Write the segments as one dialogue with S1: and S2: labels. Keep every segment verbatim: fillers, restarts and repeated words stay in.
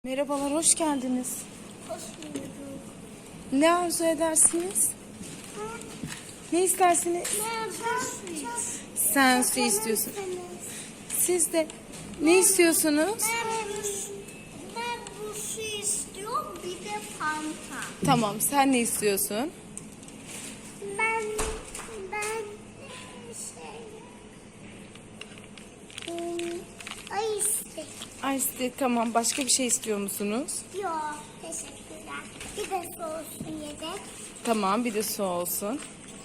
S1: Merhabalar, hoş geldiniz.
S2: Hoş bulduk.
S1: Ne arzu edersiniz? Ne istersiniz? Sen su istiyorsun. Siz de ne istiyorsunuz?
S2: Ben bu su istiyorum, bir de Fanta.
S1: Tamam, sen ne istiyorsun?
S2: Ben ben şey hmm, ay istedim.
S1: Ice tea, tamam. Başka bir şey istiyor musunuz?
S2: Yok, teşekkürler. Bir de soğusun yedek.
S1: Tamam, bir de su olsun.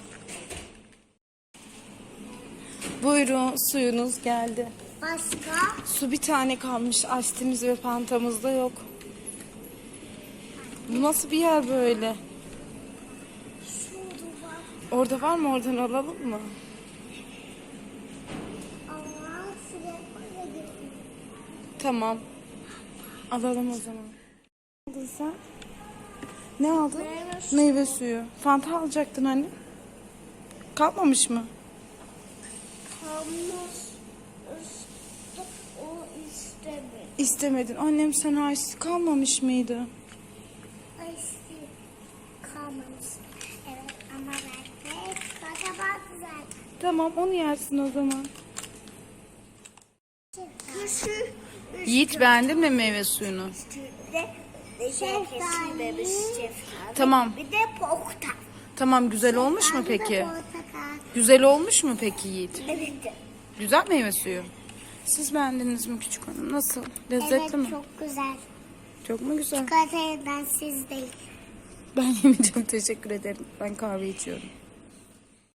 S1: Buyurun, suyunuz geldi.
S2: Başka?
S1: Su bir tane kalmış. Ice tea'miz ve Fanta'mız da yok. Bu nasıl bir yer böyle?
S2: Şurada var.
S1: Orada var mı? Oradan alalım mı?
S2: Ama şuraya koyalım.
S1: Tamam. Alalım o zaman. Ne aldın sen? Ne aldın?
S2: Meyve suyu.
S1: Meyve suyu. Fanta alacaktın anne. Kalmamış mı?
S2: Kalmış. O istemedi.
S1: İstemedin. Annem sana ice kalmamış mıydı?
S2: Ay işte kalmamış. Evet ama ben de acaba güzel.
S1: Tamam, onu yersin o zaman.
S2: Küçük
S1: Yiğit, beğendin mi meyve suyunu?
S2: üstünde şeftali.
S1: Tamam.
S2: Bir de portakal.
S1: Tamam, güzel olmuş mu
S2: Bir de
S1: peki?
S2: portakal.
S1: Güzel olmuş mu peki Yiğit?
S2: Evet.
S1: Güzel meyve suyu. Siz beğendiniz mi küçük hanım? Nasıl? Lezzetli
S2: Evet
S1: mi?
S2: çok güzel.
S1: Çok mu güzel?
S2: Çikolatayı ben siz değil.
S1: Ben yemeyeceğim. Teşekkür ederim. Ben kahve içiyorum.